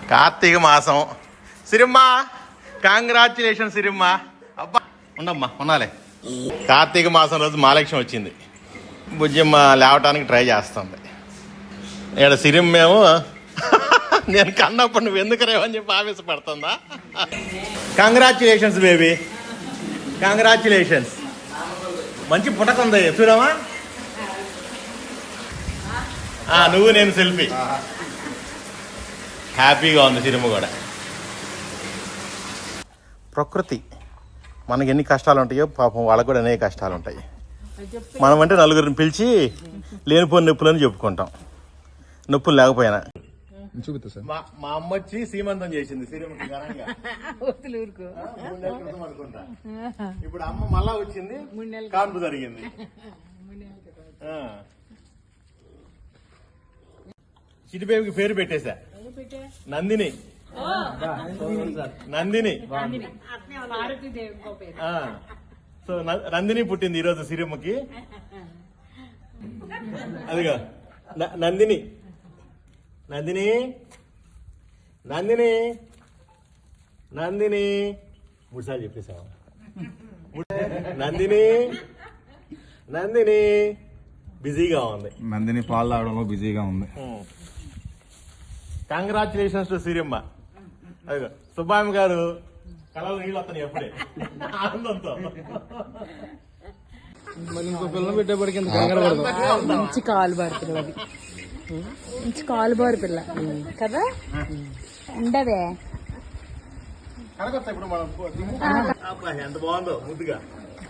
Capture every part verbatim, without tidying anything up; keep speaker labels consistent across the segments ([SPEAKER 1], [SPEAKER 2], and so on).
[SPEAKER 1] కార్తీక మాసం సిరిమ్మ కాంగ్రాచులేషన్ సిరిమ్మ. అబ్బా ఉండమ్మా ఉన్నాలే. కార్తీక మాసం రోజు మహాలక్ష్మి వచ్చింది. బుజ్జమ్మ లేవటానికి ట్రై చేస్తుంది. ఇక్కడ సిరిమ్మేమో నేను కన్నప్పుడు నువ్వు ఎందుకు రేవని చెప్పి ఆవేశపడుతుందా. Congratulations baby, congratulations. మంచి పుటకుంది చూడమా. నువ్వు నేను సెల్ఫీ. హ్యాపీగా ఉంది సిరిమ్మ కూడా. ప్రకృతి మనకి ఎన్ని కష్టాలు ఉంటాయో పాపం వాళ్ళకు కూడా అనేక కష్టాలు ఉంటాయి. మనం అంటే నలుగురిని పిలిచి లేనిపోని నొప్పులని చెప్పుకుంటాం, నొప్పులు లేకపోయినా.
[SPEAKER 2] చూపిస్తా సార్.
[SPEAKER 1] మా అమ్మ వచ్చి సీమంతం చేసింది సిరిమ్మకి అనుకుంటా. ఇప్పుడు అమ్మ మళ్ళా వచ్చింది, కాన్పు జరిగింది. చిటిబేబికి పేరు పెట్టేశా, నందిని. నందిని సో నందిని పుట్టింది ఈరోజు సిరిమ్మకి. అదిగా నందిని, నందిని, నందిని, నందిని. మూడుసార్లు చెప్పేసావా? నందిని, నందిని బిజీగా ఉంది.
[SPEAKER 2] నందిని పాలు తాగడంలో బిజీగా ఉంది.
[SPEAKER 1] Congratulations to Sirimma. అదిగో సుబ్బాయమ్మ గారు కళలో నీళ్ళు వస్తాయి ఎప్పుడే ఆనందంతో.
[SPEAKER 3] మంచి కాలు బారు పిల్ల, మంచి కాలు బారు పిల్ల కదా. ఉండవే
[SPEAKER 1] ఇప్పుడు మనం ఎంత బాగుందో ముద్దుగా,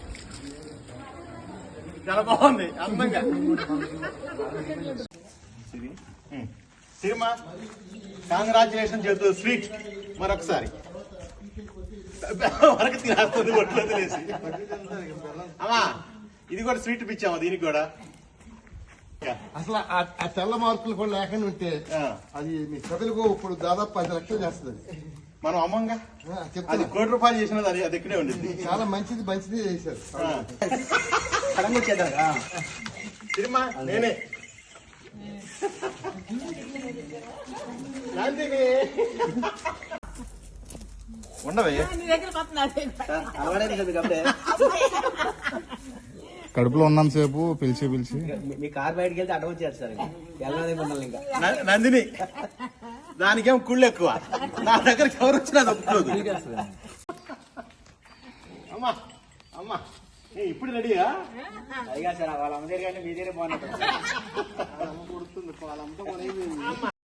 [SPEAKER 1] చాలా బాగుంది అందంగా. సిరిమ్మ కంగ్రాచులేషన్ చెబుతూ స్వీట్ మరొకసారి వరకు తినేస్తుంది ఒట్లో తెలిసి. అమ్మా ఇది కూడా స్వీట్ పిచ్చామా దీనికి కూడా.
[SPEAKER 4] అసలు ఆ తెల్ల మార్కులు కూడా లేకుండా ఉంటే అది మీ ప్రజలకు ఇప్పుడు దాదాపు పది లక్షలు చేస్తుంది.
[SPEAKER 1] మనం అమ్మంగా అది కోటి రూపాయలు చేసినది అది అది ఇక్కడే ఉండింది.
[SPEAKER 4] చాలా మంచిది మంచిది చేశారు.
[SPEAKER 1] సిరిమ్మ నేనే ఉండవే
[SPEAKER 2] కడుపులో ఉన్నంత సేపు పిలిచి పిలిచి
[SPEAKER 5] మీ కార్ బయటకి వెళ్తే అడ్డం వచ్చేది సార్.
[SPEAKER 1] నందిని దానికేం కుళ్ళు ఎక్కువ, నా దగ్గర ఎవరు వచ్చినా అది ఒప్పుకోదు. అమ్మా అమ్మా ఇప్పుడు రెడీయా?
[SPEAKER 5] అదిగా సార్ వాళ్ళ అమ్మ దగ్గర కానీ మీ దగ్గర బాగున్నట్టు.